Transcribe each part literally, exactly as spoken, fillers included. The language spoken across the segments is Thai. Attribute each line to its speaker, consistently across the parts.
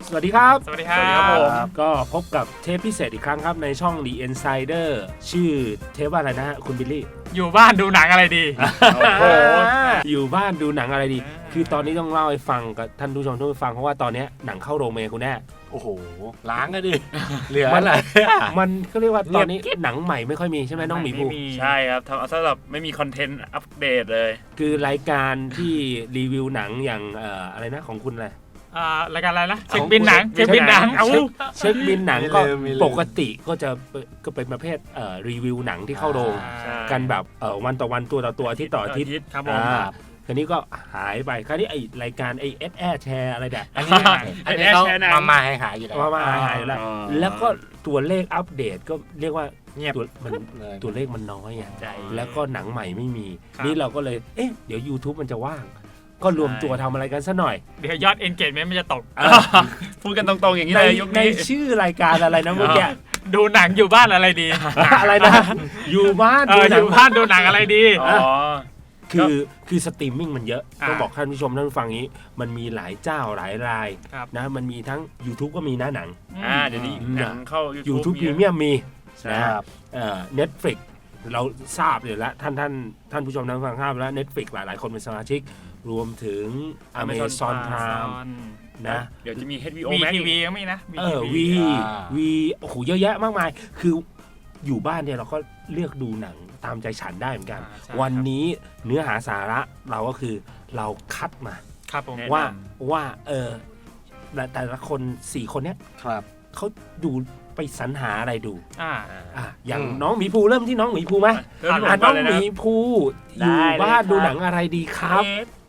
Speaker 1: สวัสดีครับ
Speaker 2: สวัสดีครับผม
Speaker 1: ก็พบกับเทปพิเศษอีกครั้งครับในช่อง The Insider ชื่อเทปว่าอะไรนะคุณบิลลี่
Speaker 2: อยู่บ้านดูหนังอะไรดีโอ้โห
Speaker 1: อยู่บ้านดูหนังอะไรดีคือตอนนี้ต้องเล่าให้ฟังกับท่านผู้ชมทุกท่านฟังเพราะว่าตอนนี้หนังเข้าโรงเมคุณแน่
Speaker 3: โอ้โหล้างก็ดิเหลือ
Speaker 1: มัน
Speaker 3: อะไร
Speaker 1: มันก็เรียกว่าตอนนี้หนังใหม่ไม่ค่อยมีใช่ไหมน้องหมีภู
Speaker 2: ใช่ครับทำเอาซะแบบไม่มีคอนเทนต์อัปเดตเลย
Speaker 1: คือรายการที่รีวิวหนังอย่างเอ่ออะไรนะของคุณอะไร
Speaker 2: อ่ารายการอะไรนะเช็คบินหนังเช็คบินหนังเอา
Speaker 1: เช็คบินหนังก็ปกติก็จะก็เป็นประเภทเอ่อรีวิวหนังที่เข้าโรงกันแบบเอ่อวันต่อวันตัวต่อตัวอาทิตย์ต่ออาทิตย์
Speaker 2: ครับผม
Speaker 1: คราวนี้ก็หายไปคราวนี้ไอรายการไอเอสแอร์แชร์อะไรแบบ
Speaker 3: อันนี้อันนี้เขามามาหายหายอยู่แล้ว
Speaker 1: มามาหายหายแล้วแล้วก็ตัวเลขอัปเดตก็เรียกว่า
Speaker 3: เงียบ
Speaker 1: มันตัวเลขมันน้อยอ่ะแล้วก็หนังใหม่ไม่มีนี่เราก็เลยเอ๊ะเดี๋ยว YouTube มันจะว่างก็รวมตัวทำอะไรกันซะหน่อย
Speaker 2: เดี๋ยวยอด engagement มันจะตกพูดกันตรงๆอย่างนี้เลยยุค
Speaker 1: นี้ในชื่อรายการอะไรนะเมื่อกี้
Speaker 2: ดูหนังอยู่บ้านอะไรดี
Speaker 1: อะไรนะอยู่บ้าน
Speaker 2: อยู่บ้านดูหนังอะไรดีอ๋อ
Speaker 1: คือคือสตรีมมิ่งมันเยอะต้องบอกท่านผู้ชมท่านผู้ฟังนี้มันมีหลายเจ้าหลายรายนะมันมีทั้ง YouTube ก็มีนะหนัง
Speaker 2: อ่าเดี๋ยวนี้หนังเข้า
Speaker 1: YouTube Premium มีนะครับเอ่อ Netflix เราทราบอยู่แล้วท่านท่านท่านผู้ชมท่านผู้ฟังทราบแล้ว Netflix หลายหลายคนเป็นสมาชิกรวมถึง Amazon Prime นะ
Speaker 2: เดี๋ยวจะมี เอช บี โอ Max ที วี ก็มีนะ
Speaker 1: เออ V V โอ้โหเยอะแยะมากมายคืออยู่บ้านเนี่ยเราก็เลือกดูหนังตามใจฉันได้เหมือนกันวันนี้เนื้อหาสาระเราก็คือเราคัดมาว่าว่าเออแต่ละคนสี่คนเนี้ยเขาดูไปสรรหาอะไรดูอ่าอ่าอย่างน้องหมีภูเริ่มที่น้องหมีภูไหมอ่าน้องหมีภูอยู่บ้านดูหนังอะไรดีครับ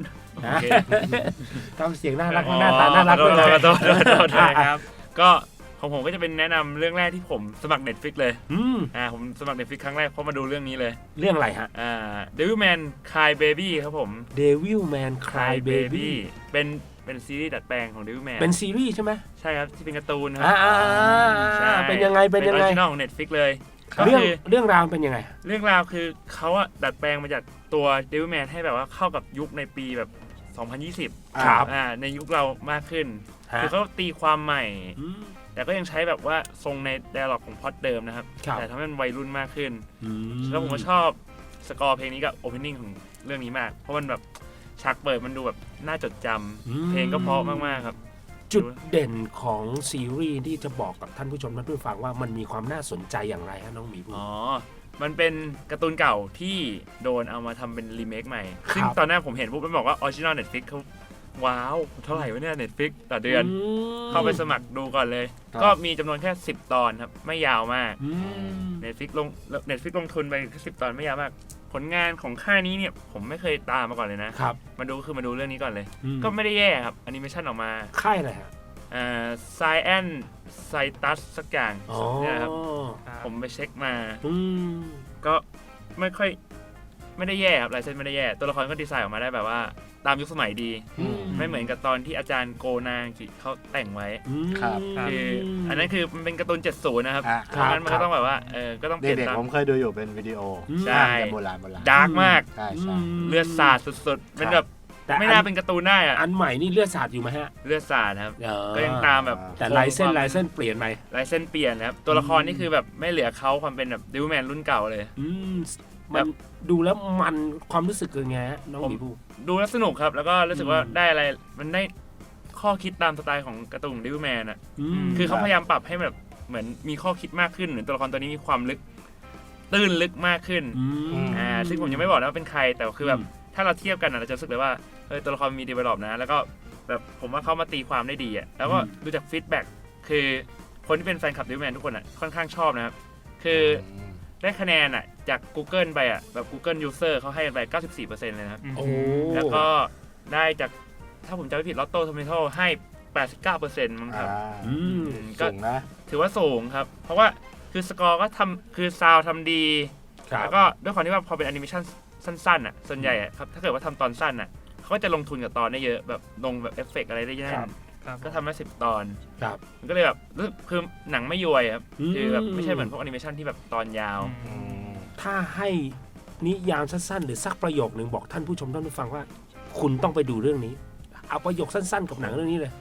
Speaker 1: ทำเสียงน่ารักหน้าตาน่ารักด้วย
Speaker 2: นะครับก็ของผมก็จะเป็นแนะนำเรื่องแรกที่ผมสมัคร Netflix เลยอืมอ่าผมสมัคร Netflix ครั้งแรกเพราะมาดูเรื่องนี้เลย
Speaker 1: เรื่องอะไรฮะ
Speaker 2: อ่า Devilman Crybaby ครับผม
Speaker 1: Devilman Crybaby
Speaker 2: เป็นเป็นซีรีส์ดัดแปลงของ Devilman
Speaker 1: เป็นซีรีส์ใช่ไหม
Speaker 2: ใช่ครับที่เป็นการ์ตูนครับ
Speaker 1: อ่าเป็นยังไงเป็นยังไง
Speaker 2: เป็นออริจินอลของ Netflix เลย
Speaker 1: เรื่องเรื่องราวเป็นยังไง
Speaker 2: เรื่องราวคือเขาอะดัดแปลงมาจากตัว Devilman ให้แบบว่าเข้ากับยุคในปีแบบสองพันยี่สิบ
Speaker 1: ครับ
Speaker 2: อ่าในยุคเรามากขึ้นคือเขาตีความใหม่แต่ก็ยังใช้แบบว่าทรงใน dialog ของพล็อตเดิมนะครับแต่ทำให้มันวัยรุ่นมากขึ้นแล้วผมก็ชอบสกอร์เพลงนี้กับ opening ของเรื่องนี้มากเพราะมันแบบฉากเปิดมันดูแบบน่าจดจำเพลงก็เพราะมากๆครับ
Speaker 1: จุดเด่นของซีรีส์ที่จะบอกกับท่านผู้ชมท่านผู้ฟังว่ามันมีความน่าสนใจอย่างไรฮะน้องหมีภู
Speaker 2: อ๋อมันเป็นการ์ตูนเก่าที่โดนเอามาทำเป็นรีเมคใหม่ซึ่งตอนแรกผมเห็นปุ๊บมันบอกว่า original Netflix เขาว้าวเท่าไหร่วะเนี่ย Netflix ต่อเดือนเข้าไปสมัครดูก่อนเลยก็มีจำนวนแค่สิบตอนครับไม่ยาวมาก Netflix ลง Netflix ลงทุนไปแค่สิบตอนไม่ยาวมากผลงานของค่ายนี้เนี่ยผมไม่เคยตามมาก่อนเลยนะครับมาดูคือมาดูเรื่องนี้ก่อนเลยก็ไม่ได้แย่ครับแอนิเมชันออกมา
Speaker 1: ค่ายอะไรฮะ
Speaker 2: อ่า Science Citus สักอย่างเนี่ยครับผมไปเช็คมาก็ไม่ค่อยไม่ได้แย่ครับลายเส้นไม่ได้แย่ตัวละครก็ดีไซน์ออกมาได้แบบว่าตามยุคสมัยดีไม่เหมือนกับตอนที่อาจารย์โกนางเขาแต่งไว้คืออันนั้นคือมันเป็นการ์ตูนเจ็ดสิบนะครับเพราะงั้นมันก็ต้องแบบว่าเออก็ต้องเปลี่ยน
Speaker 3: ตามผมเคยดูอยู่เป็นวิดีโอ
Speaker 2: ใช่
Speaker 3: โบราณโบราณ
Speaker 2: ดาร์กมากเลือดสาดสุดๆเป็นแบบไม่น่าเป็นการ์ตูนได้อะ
Speaker 1: อันใหม่นี่เลือดสาดอยู่ไหมฮะ
Speaker 2: เลือดสาดครับก็ยังตามแบบ
Speaker 1: แต่ลายเส้นลายเส้นเปลี่ยนไป
Speaker 2: ลายเส้นเปลี่ยนครับตัวละครนี่คือแบบไม่เหลือเขาความเป็นแบบดิวแมนรุ่นเก่าเลย
Speaker 1: มันดูแล้วมันความรู้สึกยังไงฮะน้องหมีภู
Speaker 2: ดูแล้วสนุกครับแล้วก็รู้สึกว่าได้อะไรมันได้ข้อคิดตามสไตล์ของการ์ตูนดิวแมนอ่ะคือเขาพยายามปรับให้แบบเหมือนมีข้อคิดมากขึ้นเหมือนตัวละครตัวนี้มีความลึกตื้นลึกมากขึ้นอ่าซึ่งผมยังไม่บอกนะว่าเป็นใครแต่คือแบบถ้าเราเทียบกันเราจะรู้สึกเลยว่าเออตัวละครมีดีเวลลอปนะแล้วก็แบบผมว่าเขามาตีความได้ดีอ่ะแล้วก็ดูจากฟีดแบ็กคือคนที่เป็นแฟนคลับดิวแมนทุกคนอ่ะค่อนข้างชอบนะครับคือได้คะแนนอ่ะจาก Google ไปอ่ะแบบ Google User เขาให้ไป เก้าสิบสี่เปอร์เซ็นต์ เลยนะครับแล้วก็ได้จากถ้าผมจำไม่ผิด Rotten Tomatoes ให้ แปดสิบเก้าเปอร์เซ็นต์ มั้งครับ
Speaker 3: สูงนะ
Speaker 2: ถือว่าสูงครับเพราะว่าคือสกอร์ก็ทำคือซาวด์ทำดีแล้วก็ด้วยความที่ว่าพอเป็นแอนิเมชั่นสั้นๆอ่ะส่วนใหญ่อ่ะครับถ้าเกิดว่าทำตอนสั้นอ่ะเขาก็จะลงทุนกับตอนได้เยอะแบบลงแบบเอฟเฟกต์อะไรได้เยอะก็ทำมาสิบตอนมันก็เลยแบบคือหนังไม่ย่อยครับคือแบบไม่ใช่เหมือนพวกแอนิเมชันที่แบบตอนยาว
Speaker 1: ถ้าให้นิยามสั้นๆหรือสักประโยคนึงบอกท่านผู้ชมท่านผู้ฟังว่าคุณต้องไปดูเรื่องนี้เอาประโยคสั้นๆกับหนังเรื่องนี้เลย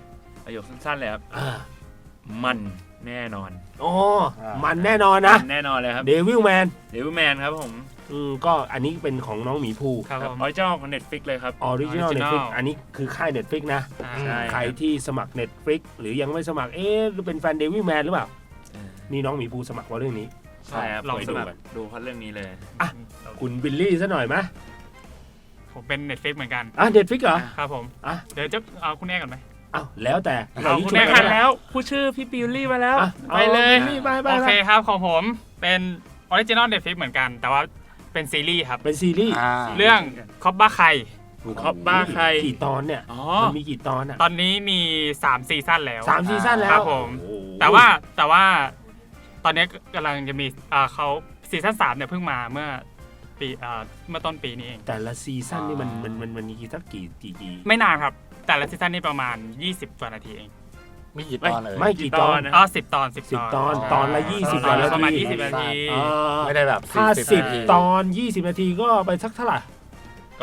Speaker 2: ประโยคสั้นๆเลยครับ
Speaker 1: อ่า
Speaker 2: มันแน่นอน
Speaker 1: โอ้มันแน่นอนนะ
Speaker 2: แน่นอนเลยครับ
Speaker 1: เดวิลแมน
Speaker 2: เดวิลแมนครับผม
Speaker 1: อืมก็อันนี้เป็นของน้องหมีภู
Speaker 4: ครับ
Speaker 2: อ
Speaker 4: ผม
Speaker 2: อริจินอลของ Netflix เลยครับ
Speaker 1: ออริจินอล
Speaker 4: Original
Speaker 1: เน็ตฟลิกอันนี้คือค่าย Netflix นะ
Speaker 4: อ่า
Speaker 2: ใช่
Speaker 1: ใครที่สมัคร Netflix หรือยังไม่สมัครเอ๊ะหรือเป็นแฟนเดวิลแมนหรือเปล่า นี่น้องหมีภูสมัครเพราะเรื่องนี้
Speaker 2: ใช่ครับ
Speaker 4: ลอง
Speaker 2: ไป
Speaker 4: ส
Speaker 2: ดู
Speaker 4: มัคร
Speaker 2: กันดูเพราะเรื่องนี้เลย
Speaker 1: คุณบิลลี่ซะหน่อยไหม
Speaker 4: ผมเป็น Netflix เหมือนกัน
Speaker 1: อ่ะ Netflix เหรอ
Speaker 4: ครับผม
Speaker 1: อ่ะ
Speaker 4: เดี๋ยวจะเอาคุณแอ้ก่อนไหม
Speaker 1: อ้าวแล้วแต่
Speaker 4: เอา
Speaker 1: ย่งนี้
Speaker 4: คุณ
Speaker 1: ช่
Speaker 4: แม่
Speaker 1: วย
Speaker 4: กั
Speaker 1: กัน น
Speaker 4: แล้
Speaker 2: แล้วพูดชื่อพี่บิลลี่มาแล้ว
Speaker 1: อ่ะ
Speaker 2: ไปเลย
Speaker 1: นี่ไปไป
Speaker 4: โอ
Speaker 1: ไป
Speaker 4: เคครับของผมเป็นออริจินอล Netflix เหมือนกัน แต่ว่าเป็นซีรีส์ครับ
Speaker 1: เป็นซีรีส์
Speaker 3: อ่า
Speaker 4: เรื่องคอบบ้าไค
Speaker 2: คอบบ้าใคร
Speaker 1: กี่ตอนเนี่ย
Speaker 2: อ๋อ
Speaker 1: มันมีกี่ตอนอ่ะ
Speaker 4: ตอนนี้มีสามซีซั่นแล้ว
Speaker 1: สามซีซั่นแล้ว
Speaker 4: ครับผม
Speaker 1: โอ้โห
Speaker 4: แต่ว่าแต่ว่าตอนนี้กำลังจะมีอ่าเขาซีซั่นสามเนี่ยเพิ่งมาเมื่อปีอ่าเมื่อต้นปีนี้เอง
Speaker 1: แต่ละซีซั่นนี่มันมันมันมันมีกี่สักกี่กี่กี่
Speaker 4: ไม่นานครับ แต่ละซีซั่นนี่ประมาณ ยี่สิบกว่านาทีเอง
Speaker 3: มีกี่ตอนเลย
Speaker 1: ไม่กี่ตอน
Speaker 2: นะ
Speaker 4: อ๋อสิบตอนสิบ
Speaker 1: สิบ
Speaker 4: ต
Speaker 1: ต
Speaker 4: อ
Speaker 1: อน นตอนละยี่สิบ
Speaker 4: ตอนละ
Speaker 1: นาที
Speaker 4: ประมาณยี่สิบนาที
Speaker 1: อ่า
Speaker 3: ไม่ได้แบบ
Speaker 1: ถ้า
Speaker 3: สิบ
Speaker 1: สิบ
Speaker 3: นาที
Speaker 1: ตอนยี่สิบนาทีก็ไปสักเท่าไหร่
Speaker 2: ก็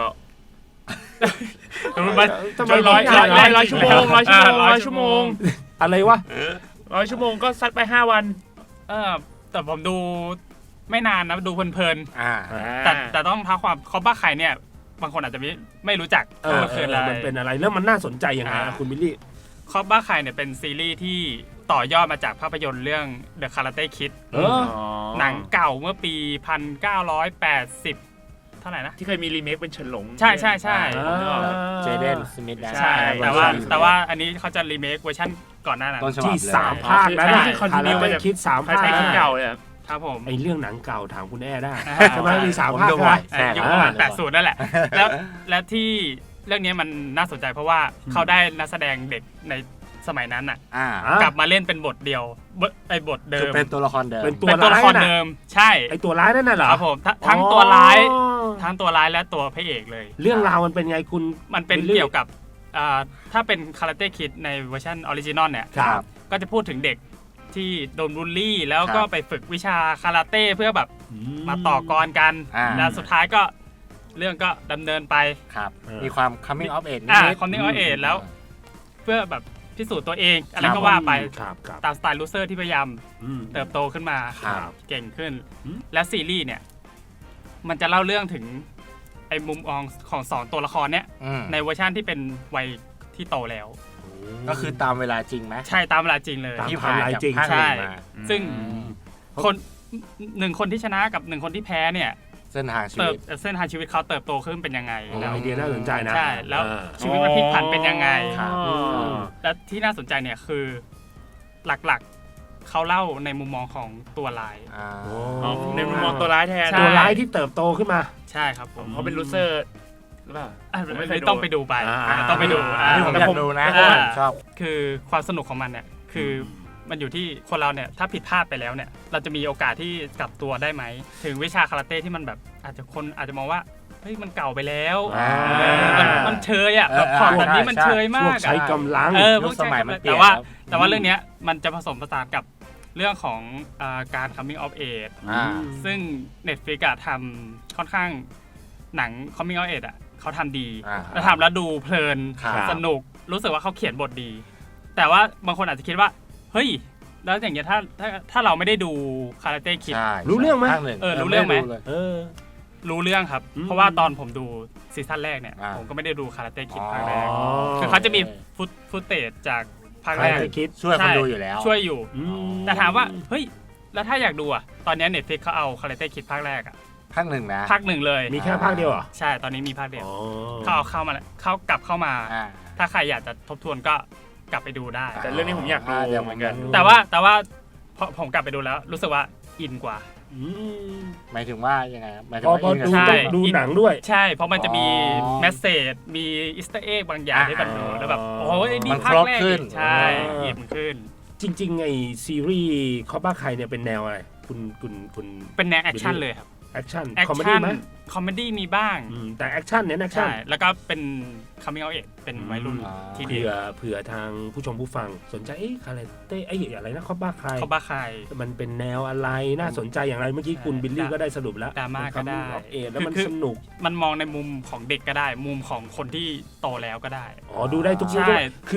Speaker 4: มัน
Speaker 1: ทำไม
Speaker 2: ร้อย
Speaker 1: ไม่
Speaker 2: ร้อย
Speaker 1: ได้
Speaker 2: ร้อยชั่วโมงร้อยชั่วโมงร้อยชั่วโมง
Speaker 1: อะไรวะ
Speaker 2: ร้อยชั่วโมงก็ซัดไปห้าวัน
Speaker 4: เออแต่ผมดูไม่นานนะดูเพลิน
Speaker 3: อ่า
Speaker 4: ๆแต่แต่ต้องท้าความคอบ้าไข่เนี่ย บางคนอาจจะไม่ไม่รู้จัก
Speaker 1: เออ
Speaker 4: ว่า
Speaker 1: เอ
Speaker 4: คือ
Speaker 1: อ
Speaker 4: อะไร
Speaker 1: มันเป็นอะไรแล้วมันน่าสนใจยังไง
Speaker 4: อ่า
Speaker 1: อ่ะคุณบิลลี่
Speaker 4: คอบ้าไข่เนี่ยเป็นซีรีส์ที่ต่อยอดมาจากภาพยนตร์เรื่อง The Karate Kid
Speaker 1: เออ
Speaker 4: หนังเก่าเมื่อปี หนึ่งพันเก้าร้อยแปดสิบ เท่าไหร่นะ
Speaker 2: ที่เคยมีรีเมคเป็นเฉินหลง
Speaker 4: ใช่ใช่ใช่
Speaker 2: ผมนึกออกแล้ว
Speaker 3: เจเดนสมิธนะ
Speaker 4: ใช่ แต่ว่าแต่ว่าอันนี้เขาจะรีเมคเวอร์ชันก่อนหน้านั้น
Speaker 3: ต้นฉบับ
Speaker 1: ที่
Speaker 3: เลย
Speaker 1: สามภาคนั้น
Speaker 2: ใช่
Speaker 1: น่ะ
Speaker 2: ที่ continue มาจาก
Speaker 1: คิดสาม
Speaker 2: ใคร
Speaker 1: ภาค
Speaker 2: ใช้
Speaker 1: นั้
Speaker 2: คิด
Speaker 1: น
Speaker 2: เก่า
Speaker 1: น่ะ
Speaker 2: เลยครับ
Speaker 4: ครับผม
Speaker 1: ไอเรื่องหนังเก่าถามคุณแอ้ได้
Speaker 4: อ่า
Speaker 1: ใช่ไหมมีสาม
Speaker 3: ผม
Speaker 1: ภาค
Speaker 3: ดู
Speaker 1: ใช่
Speaker 3: บ่
Speaker 1: ไหม
Speaker 3: อย
Speaker 4: เอ่อยุคประมาณแปดสิบนั่นแหละ แล้วและที่เรื่องนี้มันน่าสนใจเพราะว่าเขาได้นักแสดงเด็กในสมัยนั้นน่ะ
Speaker 3: อ่า
Speaker 1: อ่ะ
Speaker 4: กลับมาเล่นเป็นบทเดียวบทไอ้บทเดิ
Speaker 3: คือ
Speaker 4: ม
Speaker 3: เป็นตัวละครเดิม
Speaker 1: เป็นตัว
Speaker 4: เป็นตัวละคร
Speaker 1: ร้ายน่ะ
Speaker 4: เดิม ใช่
Speaker 1: ไอตัวร้ายนั่นน่ะเหรอ
Speaker 4: ครับผมทั้งทั้งตัวร้าย
Speaker 1: อ๋อ
Speaker 4: ทั้งตัวร้ายและตัวพระเอกเลย
Speaker 1: เรื่องราวมันเป็นไงคุณ
Speaker 4: มันเป็น
Speaker 1: บิลลี่
Speaker 4: เกี่ยวกับอ่าถ้าเป็นคาราเต้คิดในเวอร์ชันออริจินอลเนี่ย
Speaker 1: ครับ
Speaker 4: ก็จะพูดถึงเด็กที่โดนบูลลี่ แล้ว
Speaker 3: ครับ
Speaker 4: ก็ไปฝึกวิชาคาราเต้เพื่อแบบ
Speaker 1: อื
Speaker 4: มาต่อกรกัน
Speaker 3: อ่า
Speaker 4: แล้วสุดท้ายก็เรื่องก็ดำเนินไป
Speaker 3: ครับ
Speaker 1: เออ
Speaker 3: มีความ coming of age
Speaker 4: อ่า
Speaker 3: นิด
Speaker 4: คอนเนอร์เอทแล้ว เพื่อแบบพิสูจน์ตัวเองอะไร
Speaker 3: ครั
Speaker 4: ก็
Speaker 3: บ
Speaker 4: ว่าไป
Speaker 1: ครับครับ
Speaker 4: ตามสไตล์ลูเซอร์ที่พยายาม
Speaker 1: อืม
Speaker 4: เติบโตขึ้นมา
Speaker 3: ครับ
Speaker 4: เก่งขึ้น
Speaker 1: อืม
Speaker 4: และซีรีส์เนี่ย มันจะเล่าเรื่องถึงไอ้มุมมองของสองตัวละครเนี่ย
Speaker 3: อืม
Speaker 4: ในเวอร์ชันที่เป็นวัยที่โตแล้ว
Speaker 3: ก็คือตามเวลาจริงไหม
Speaker 4: ใช่ตามเวลาจริงเลย
Speaker 1: ตาม
Speaker 3: ที่ผ่านจาก
Speaker 1: จริง
Speaker 3: ภาคห
Speaker 4: ใช่
Speaker 3: นึ่งมา
Speaker 4: ซึ่ง
Speaker 1: อืม
Speaker 4: คนหนึ่งคนที่ชนะกับหนึ่งคนที่แพ้เนี่ย
Speaker 3: เส้นทางชี
Speaker 4: เติบ
Speaker 3: วิต
Speaker 4: เส้นทางชีวิตเขาเติบโตขึ้นเป็นยังไง
Speaker 1: โอ้
Speaker 4: แล้ว
Speaker 1: ไอเดียน่าสนใจนะ
Speaker 4: ใช่แล้ว
Speaker 1: อ่า
Speaker 4: ชีวิตมันพลิกผันเป็นยังไง
Speaker 3: ครับ
Speaker 1: อืม
Speaker 4: และที่น่าสนใจเนี่ยคือหลักๆเขาเล่าในมุมมองของตัวร้าย
Speaker 3: อ่า
Speaker 2: อ๋อในมุมมองตัวร้ายแทน
Speaker 4: ใช่
Speaker 1: ตัวร้ายที่เติบโตขึ้นมา
Speaker 4: ใช่ครับผม
Speaker 2: เขาเป็นลูเซอร์หรือเปล่า
Speaker 4: อ่ะ
Speaker 2: ผมไม่เคยดู
Speaker 4: ต้องไปดูไป
Speaker 1: อ่า
Speaker 4: อ่าต้องไปดู
Speaker 1: อ่า
Speaker 4: อ่า
Speaker 3: นี่ผมอยากดูนะ
Speaker 4: อ่า
Speaker 3: ผมชอบ
Speaker 4: คือความสนุกของมันเนี่ยคือมันอยู่ที่คนเราเนี่ยถ้าผิดพลาดไปแล้วเนี่ยเราจะมีโอกาสที่กลับตัวได้ไหมถึงวิชาคาราเต้ที่มันแบบอาจจะคนอาจจะมองว่าเฮ้ยมันเก่าไปแล้ว
Speaker 3: อ่า
Speaker 4: เออมันมันเชยอ่ะแบบของแบบนี้มันเชย
Speaker 1: พ
Speaker 4: มาว
Speaker 1: ก
Speaker 4: ก
Speaker 1: ใช้
Speaker 4: อ่ะ
Speaker 1: กำลัง
Speaker 4: เออ
Speaker 3: ยุคสมัยมันเปลี่ยน
Speaker 4: แต่ว่า
Speaker 3: ครับ
Speaker 4: แต่ว่าเรื่องเนี้ยมันจะผสมผสานกับเรื่องของอาการ coming of age
Speaker 3: อ่า
Speaker 4: ซึ่ง Netflix อะทำค่อนข้างหนัง coming of age อะเขาทำดี
Speaker 3: อ่า
Speaker 4: แล้วทำแล้วดูเพลิน
Speaker 3: ครับ
Speaker 4: สนุกรู้สึกว่าเขาเขียนบทดี แต่ว่าบางคนอาจจะคิดว่า เฮ้ย แล้วอย่างเงี้ยถ้าถ้าถ้าเราไม่ได้ดูคาราเต้คิด
Speaker 3: ใช่
Speaker 1: รู้เรื่องไหม
Speaker 3: ภาคนึ่
Speaker 4: เออรู้เรื่องไหม
Speaker 3: ด้ลย
Speaker 1: เออ
Speaker 4: รู้เรื่องครับ
Speaker 1: อืม
Speaker 4: เพราะว่าตอนผมดูซีซั่นแรกเนี่ย
Speaker 3: อ่า
Speaker 4: ผมก็ไม่ได้ดูคาราเต้คิด
Speaker 3: อ๋อ
Speaker 4: ภาคแรก
Speaker 1: อ๋อ
Speaker 4: คือเขาจะมีฟุตฟุตเตจจากภาค
Speaker 1: ใคร
Speaker 4: แรก
Speaker 1: จะคิด
Speaker 3: ช่วยคน
Speaker 4: ใช่
Speaker 3: ดูอยู่แล้ว
Speaker 4: ช่วยอยู่
Speaker 1: อืม
Speaker 4: แต่ถามว่าเฮ้ยแล้วถ้าอยากดูอ่ะตอนนี้เน็ตฟลิกเขาเอาคาราเต้คิดภาคแรกอ่ะ
Speaker 3: ภาคหนึ่งนะ
Speaker 4: ภาคหนึ่งเลย
Speaker 1: มีแค่ภาคเดียวเหรอ
Speaker 4: ใช่ตอนนี้มีภาคเดียว
Speaker 1: อ๋อ
Speaker 4: เขาเอาเข้ามาแล้วเขากลับเข้ามา
Speaker 3: อ่า
Speaker 4: ถ้าใครอยากจะทบทวนก็กลับไปดูได้
Speaker 2: แต่เรื่องนี้ผมอยากดู
Speaker 3: อ่าเดี๋ยว
Speaker 2: เหมือนกัน
Speaker 3: ผม
Speaker 4: แต่ว่าแต่ว่าพอผมกลับไปดูแล้ว รู้สึกว่าอินกว่า
Speaker 1: อืม
Speaker 3: หมายถึงว่ายังไงหมายถึ
Speaker 1: พ
Speaker 3: ง
Speaker 1: อ
Speaker 3: ว่า
Speaker 1: พอ
Speaker 3: อินกับ
Speaker 1: ดู
Speaker 4: ใช่
Speaker 1: ต้องดูหนังด้วย
Speaker 4: ใช่ เพราะมันจะมี
Speaker 3: อ๋อ
Speaker 4: แมสเซจมีอิสต์เอ็กบางอย่างที่แบบ
Speaker 3: อ่า
Speaker 4: แล้วแบบโอ้ยนี่
Speaker 3: มัน
Speaker 4: ภาค
Speaker 3: ครบ
Speaker 4: แรก
Speaker 3: ขึ้น
Speaker 4: ใช่
Speaker 1: อ่า
Speaker 4: อินขึ้น
Speaker 1: จริงๆไอซีรีส์คอบ้าใครเนี่ยเป็นแนวอะไร คุณคุณคุณ
Speaker 4: เป็นแนวแอคชั่นเลยครับ
Speaker 1: แอคชั่น
Speaker 4: แอค
Speaker 1: คอมเมดี้
Speaker 4: ชั่น
Speaker 1: ไหม
Speaker 4: คอมเมดี้มีบ้าง
Speaker 1: อืมแต่แอคชั่นเน้นแอคชั่น
Speaker 4: ใช่แล้วก็เป็น coming of age เป็นวัยรุ่น
Speaker 3: อ่า
Speaker 4: ทีเดี
Speaker 1: เผื่
Speaker 4: ย
Speaker 1: อ
Speaker 4: ว
Speaker 1: เผื่อทางผู้ชมผู้ฟังสนใจเอ๊ะคาแรเต้ไอ้อะไรนะคอบ้าใคร
Speaker 4: เขาบ้าใคร
Speaker 1: มันเป็นแนวอะไรน่าสนใจอย่างไรเมื่อกี้
Speaker 4: ใช่
Speaker 1: คุณบิลลี่ก็ได้สรุปแล้ว
Speaker 4: ดราม่าก็ได้
Speaker 1: เอแล้วมัน
Speaker 4: คือ
Speaker 1: สนุก
Speaker 4: มันมองในมุมของเด็กก็ได้ มุมของคนที่โตแล้วก็ได้
Speaker 1: อ๋อดูได้ทุก
Speaker 4: ใช่
Speaker 1: ยุคคือ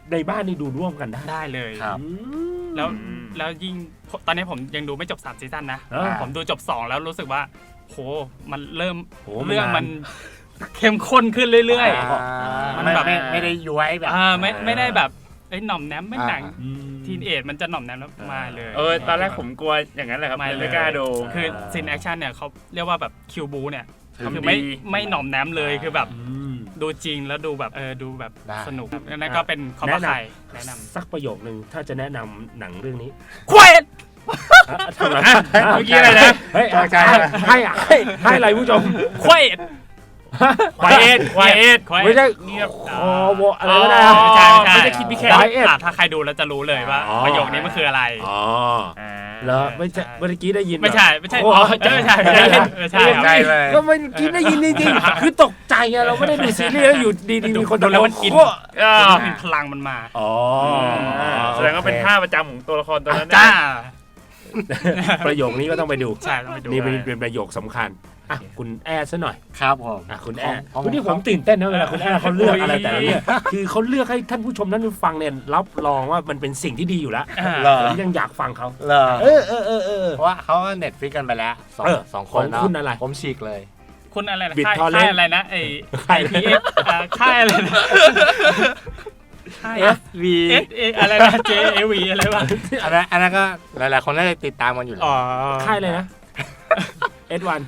Speaker 1: ในบ้านนี่ดูร่วมกันได้
Speaker 4: ได้เลย
Speaker 3: ครับ
Speaker 1: อืม
Speaker 4: แล้วแล้วยิ่งตอนนี้ผมยังดูไม่จบสามซีซั่นนะ
Speaker 1: อ่า
Speaker 4: ผมดูจบสองแล้วรู้สึกว่าโหมันเริ่ม
Speaker 1: โห
Speaker 4: เรื่อง
Speaker 1: มั
Speaker 4: มัน นเข้มข้นขึ้นเรื่อย
Speaker 3: อ่า
Speaker 4: มัน
Speaker 3: ไม่
Speaker 4: แบบ
Speaker 3: ไม่ไม่ได้ย้วยแบบ
Speaker 4: ๆอ่าไม่ไม่ได้แบบเอ้ยหน่อมแนมไม่หนัง
Speaker 3: อ่า
Speaker 1: อืม
Speaker 4: ทีนเอจมันจะหน่อมแนมแล้วมาเลย
Speaker 2: เออตอนแรกผมกลัวอย่างนั้นแหละครับ
Speaker 4: ไม่
Speaker 2: เลย
Speaker 4: เลย
Speaker 2: ไม่กล้าดู
Speaker 4: คือซีนแอคชั่นเนี่ยเขาเรียกว่าแบบคิวบูเนี่ย
Speaker 3: ทำ
Speaker 4: คือ
Speaker 2: ดี
Speaker 4: ไม่ไม่หน่อมแนมเลยคือแบบ
Speaker 1: อืม
Speaker 4: ดูจริงแล้วดูแบบเออดูแบบ
Speaker 3: ได้
Speaker 4: สนุกนั่นก็เป็นคอมบ้าไข่แนะนำ
Speaker 1: สักประโยคนึงถ้าจะแนะนำหนังเรื่องนี้
Speaker 4: ควาย
Speaker 1: อ่ะทำไม
Speaker 2: เมื่อกี้อะไรนะ
Speaker 1: เฮ้ย
Speaker 3: ตกใจ
Speaker 1: ให้ให้ให้ให้อะไรผู้ชม
Speaker 4: ควาย
Speaker 2: ควายเอ็ดควายเอ็ด
Speaker 4: ควาย
Speaker 1: ไม่ใช่
Speaker 2: เงียบ
Speaker 1: คอวออะไรก็ได้
Speaker 2: อ๋
Speaker 1: นะ
Speaker 2: อ
Speaker 4: ไม่ใช่ไม่ใช่
Speaker 2: ไม่ได้คิดพี่แค่
Speaker 1: ไดเอท
Speaker 4: อ่ะถ้าใครดูแล้วจะรู้เลยว่า
Speaker 1: อ๋อ
Speaker 4: ประโยคนี้มันคืออะไร
Speaker 1: อ๋อ
Speaker 2: อ่า
Speaker 1: แล้วไม่ใช่
Speaker 4: ใช่
Speaker 1: เมื่อกี้ได้ยิน
Speaker 4: ไม่ใช่ไม่ใช่
Speaker 1: โอ้
Speaker 4: อ๋อไม่ใช่ไม่ใช่ไม่ใช่ครับ
Speaker 3: ใจเลย
Speaker 1: ก็ไม่คิดได้ยินจริงๆคือตกใจไงเราไม่ได้ดูซีรีส์แล้วอยู่ดีๆมีคน
Speaker 4: ดูแล้วมันอิน
Speaker 1: โอ้
Speaker 2: อ่า
Speaker 4: มีพลังมันมา
Speaker 1: อ๋อ
Speaker 2: แสดงว่าเป็นท่าประจำของตัวละครตัวนั้น
Speaker 4: จ้า
Speaker 1: ประโยคนี้ก็ต้องไปดู
Speaker 4: ใช่ต้องไปดู
Speaker 1: นี่เป็นเป็นประโยคสำคัญอ่ะคุณแอร์ซะหน่อย
Speaker 3: ครับผม
Speaker 1: อ่ะคุณแอร์
Speaker 3: ของ
Speaker 1: วันนี้ผมตื่นเต้นนะเวลาคุณแอร์เขาเลือกอะไรแต่ละเรื่องคือเขาเลือกให้ท่านผู้ชมท่านผู้ฟังเนี่ยรับรองว่ามันเป็นสิ่งที่ดีอยู่แล้ว
Speaker 4: อ่า
Speaker 3: เหรอ
Speaker 1: ผมยังอยากฟังเขา
Speaker 3: เหรอ
Speaker 1: เออเออเออเออ
Speaker 3: เพราะว่าเขาเน็ตฟิกกันไปแล้วสอง
Speaker 1: เออ
Speaker 3: สองค
Speaker 1: ของ
Speaker 3: นเนาะ
Speaker 1: คุณอะไร
Speaker 3: ผมฉีกเลย
Speaker 4: คุณอะไรนะ
Speaker 1: บิด
Speaker 4: ค่าย
Speaker 1: ทอเรนต์
Speaker 4: ค่ายอะไรนะไอ้
Speaker 1: ค่าย
Speaker 4: พีเอฟค่ายอะไรนะค่าย
Speaker 3: เอฟ วี
Speaker 4: เอสเออะไรนะเจเอวีอะไรวะ
Speaker 3: อันนั้นอันนั้นก็หลายๆคนน่าจะติดตามกันอยู่แล้ว
Speaker 4: อ๋อ
Speaker 1: ค่ายเลยนะเอ็ดวัน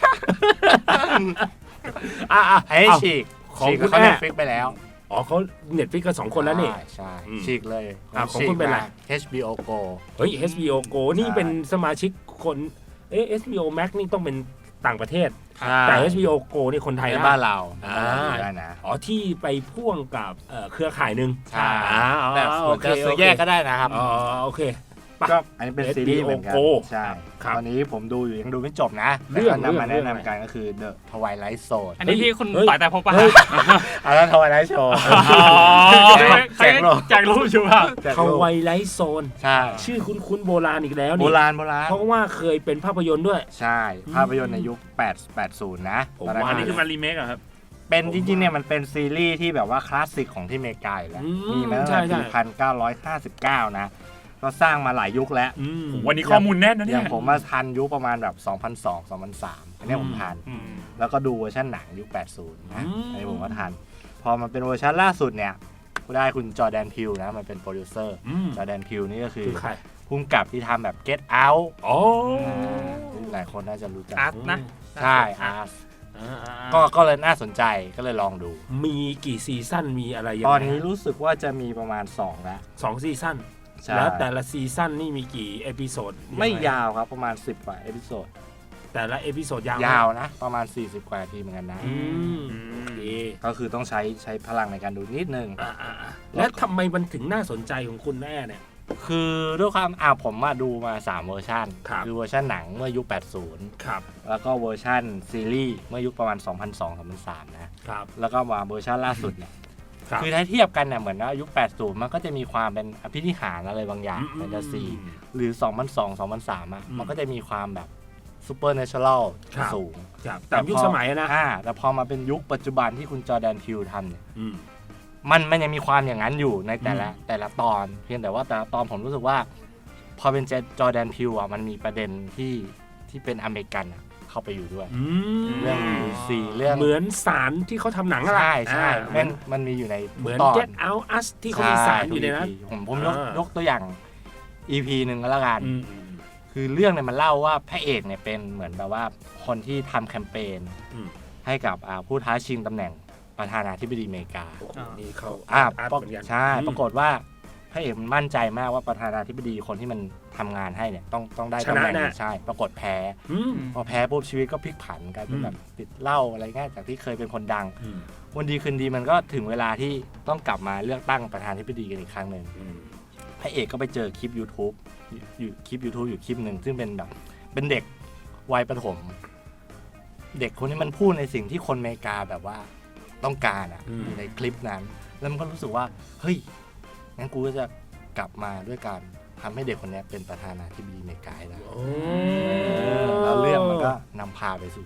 Speaker 1: อ่ะอ่ะ
Speaker 3: ไอ้
Speaker 1: เอา
Speaker 3: ฉีก
Speaker 1: ของ
Speaker 3: ฉีก
Speaker 1: คุณ
Speaker 3: เขา
Speaker 1: แม่
Speaker 3: เน็ตฟิกไปแล้ว
Speaker 1: อ๋อเขาเน็ตฟิกกันสองคนแล้วนี่
Speaker 3: ใช่ใช่
Speaker 1: อืม
Speaker 3: ฉีกเลย
Speaker 1: อ่ะ
Speaker 3: ผม
Speaker 1: ของ
Speaker 3: ฉีก
Speaker 1: คุณเป็นอะไร
Speaker 3: มา เอช บี โอ Go
Speaker 1: เฮ้ย เอช บี โอ Go นี่เป็นสมาชิกคนเอ๊ะ เอช บี โอ Max นี่ต้องเป็นต่างประเทศ แต่ เอช บี โอ Go นี่คนไทย
Speaker 3: ใน
Speaker 1: ได้
Speaker 3: บ้านเรา
Speaker 1: อ่า
Speaker 3: ได้นะ
Speaker 1: อ๋อที่ไปพ่วงกับเอ่อเครือข่ายหนึ่ง
Speaker 3: ใช่
Speaker 1: อ่าอ๋อ
Speaker 3: แต่
Speaker 1: โอ
Speaker 3: ส่วน
Speaker 1: เค
Speaker 3: จะซื้อ
Speaker 1: โอเค
Speaker 3: แยกก็ได้นะครับ
Speaker 1: อ๋อโอเค
Speaker 3: ก็อันนี้เป็นซีรีส์เหมือนกัน
Speaker 1: เอช บี โอ
Speaker 3: ใช่
Speaker 1: ครับ
Speaker 3: ตอนนี้ผมดูอยู่ยังดูไม่จบนะ
Speaker 1: เรื่อง
Speaker 3: แต่ก็นำมา
Speaker 1: เรื่
Speaker 3: แนะ
Speaker 1: อง
Speaker 3: นำกันก็คือ The Twilight Zone
Speaker 4: อันนี้ที่คุณ
Speaker 1: เฮ้ย
Speaker 4: ต่อยแต่พบปะ
Speaker 1: เฮ้ย
Speaker 3: อันนั้น Twilight Show
Speaker 4: ใครจากรูปชูว่า
Speaker 3: แจก
Speaker 1: เขา
Speaker 3: รูป
Speaker 1: ไวไลท์โซน
Speaker 3: ใช่
Speaker 1: ชื่อคุ้นๆโบราณอีกแล้ว
Speaker 3: โบ
Speaker 1: นี่
Speaker 3: ราณโบราณ
Speaker 1: เพราะว่าเคยเป็นภาพยนตร์ด้วย
Speaker 3: ใช่ ภาพยนตร์ในยุคแปด แปดสิบนะ
Speaker 1: ผม
Speaker 3: ตอนนั้น
Speaker 1: ว่า
Speaker 2: อันนี้คือมารีเมคเหรอครับ
Speaker 3: เป็นจริงๆเนี่ยมันเป็นซีรีส์ที่แบบว่าคลาสสิกของที่อเมริกาอยู่แล้ว
Speaker 1: อืม
Speaker 3: มีมาตั้ง
Speaker 1: ใช่
Speaker 3: แต่
Speaker 1: ใช่
Speaker 3: ปีพันเก้าร้อยห้าสิบเก้านะ ก็สร้างมาหลายยุคแล้ว
Speaker 1: อืม
Speaker 2: วันนี้ข้อมูลแน่นนะ
Speaker 3: อ
Speaker 2: เนี่ย
Speaker 3: ย่างผมมาทันยุคประมาณแบบ สองพันสอง สองพันสาม อันเนี้ยผมทัน แล้วก็ดูเวอร์ชันหนังยุค แปดสิบ นะ
Speaker 1: อืม
Speaker 3: อันนี้ผมก็ทัน พอมันเป็นเวอร์ชันล่าสุดเนี่ยก็ได้คุณจอร์แดนพิวนะ มันเป็นโปรดิวเซอร์
Speaker 1: อืม
Speaker 3: จอร์แดนพิวนี่ก็คือ
Speaker 1: คือใคร
Speaker 3: พุ่มกับที่ทำแบบ Get Out
Speaker 1: อ๋อ
Speaker 3: ที่หลายคนน่าจะรู้จัก
Speaker 4: อาร์ตนะ
Speaker 3: ใช่อาร์ต
Speaker 1: อ่า
Speaker 3: ก็ก็เลยน่าสนใจก็เลยลองดู
Speaker 1: มีกี่ซีซั่นมีอะไรยัง
Speaker 3: ต
Speaker 1: ไง
Speaker 3: อนนี้รู้สึกว่าจะมีประมาณสองแล้ว
Speaker 1: สองซีซั่น
Speaker 3: ใช่
Speaker 1: แล้วแต่ละซีซั่นนี่มีกี่เอพิโซด
Speaker 3: ไม่ยาวครับประมาณสิบกว่าเอพิโซด
Speaker 1: แต่ละเอพิโซดยาวไหม
Speaker 3: ยาวนะ ประมาณสี่สิบกว่านาทีเหมือนกันนะ
Speaker 1: อืมโอเค
Speaker 3: ก็คือต้องใช้ใช้พลังในการดูนิดนึง
Speaker 1: อ่าอ่าอ่าแล้วทำไมมันถึงน่าสนใจของคุณแม่เนี่ย
Speaker 3: คือด้วยความอ่าผมมาดูมาสามเวอร์ชัน
Speaker 1: ครับ
Speaker 3: อเวอร์ชันหนังเมื่อยุค แปดสิบ
Speaker 1: ครับ
Speaker 3: แล้วก็เวอร์ชันซีรีส์เมื่อยุคประมาณ สองพันสอง สองพันสาม นะ
Speaker 1: ครับ
Speaker 3: แล้วก็มาเวอร์ชันล่าสุดเนี่ย
Speaker 1: ครับ
Speaker 3: คือถ้าเทียบกันเนี่ยเหมือนว่ายุค แปดสิบ มันก็จะมีความเป็นอภินิหารอะไรบางอย่างแฟนตาซี หรือ สองพันสอง สองพันสาม อ่ะ
Speaker 1: อืม
Speaker 3: มันก็จะมีความแบบซูเปอร์เนเชอรัล
Speaker 1: ครับ
Speaker 3: สูง
Speaker 1: ครับตามยุคสมัยอะนะ
Speaker 3: อ่าแต่พอมาเป็นยุคปัจจุบันที่คุณจอร์แดนพิวทำเนี่ย
Speaker 1: อืม
Speaker 3: มันมันยังมีความอย่างนั้นอยู่ในแต่ละ
Speaker 1: อืม
Speaker 3: แต่ละตอน เพียงแต่ว่าแต่ละตอนผมรู้สึกว่า พอเป็นจอร์แดนพิวอ่ะมันมีประเด็นที่ที่เป็นอเมริกันอะเข้าไปอยู่ด้วย
Speaker 1: อืม
Speaker 3: เรื่องลูซีเรื่อง
Speaker 1: เหมือนสารที่เขาทำหนังอะไร
Speaker 3: ใช่ใช่
Speaker 1: เหมื
Speaker 3: มั
Speaker 1: อน
Speaker 3: นมันมีอยู่ใน
Speaker 1: เหมือน
Speaker 3: ตอน
Speaker 1: Get Out Us ที่เขามีสารอยู่ในนั้น
Speaker 3: ใช่ผมผมยก
Speaker 1: อ่าย
Speaker 3: ยกตัวอย่าง อี พี หนึ่งก็แล้วกัน
Speaker 1: อืมอืม
Speaker 3: คือเรื่องเนี่ยมันเล่าว่าพระเอกเนี่ยเป็นเหมือนแบบว่าคนที่ทำแคมเปญ
Speaker 1: อืม
Speaker 3: ให้กับอ่าผู้ท้าชิงตำแหน่งประธานาธิบดีอเมริกา
Speaker 1: โอ้โหนี่เขา
Speaker 3: อ่า
Speaker 1: อาร์ต
Speaker 3: ปราก
Speaker 1: เหมือนกัน
Speaker 3: ใช่
Speaker 1: อืม
Speaker 3: ปรากฏว่าพระเอกมันมั่นใจมากว่าประธานาธิบดีคนที่มันทำงานให้เนี่ยต้องต้องได้
Speaker 1: ช
Speaker 3: ตำ
Speaker 1: นะ
Speaker 3: แหน่ง
Speaker 1: แน่
Speaker 3: นี้ใช่ ปรากฏแพ้
Speaker 1: อืม
Speaker 3: พอแพ้ปุ๊บชีวิตก็พลิกผันกลายเป็น
Speaker 1: อืม
Speaker 3: แบบติดเหล้าอะไรเงี้ยจากที่เคยเป็นคนดัง
Speaker 1: อืม
Speaker 3: วันดีคืนดีมันก็ถึงเวลาที่ต้องกลับมาเลือกตั้งประธานาธิบดีกันอีกครั้งหนึ่ง
Speaker 1: อืม
Speaker 3: พระเอกก็ไปเจอคลิป YouTube อยู่คลิป YouTube อยู่คลิปหนึ่งซึ่งเป็นแบบเป็นเด็กวัยประถม เด็กคนนี้มันพูดในสิ่งที่คนอเมริกาแบบว่าต้องการอ่ะ
Speaker 1: อืม
Speaker 3: อยู่ในคลิปนั้น แล้วมันก็รู้สึกว่าเฮ้ยงั้นกูก็จะกลับมาด้วยการทำให้เด็กคนนี้เป็นประธานาธิบดีอเมริกาให้ได้
Speaker 1: โอ้
Speaker 3: แล้วเรื่องมันก็นำพาไปสู่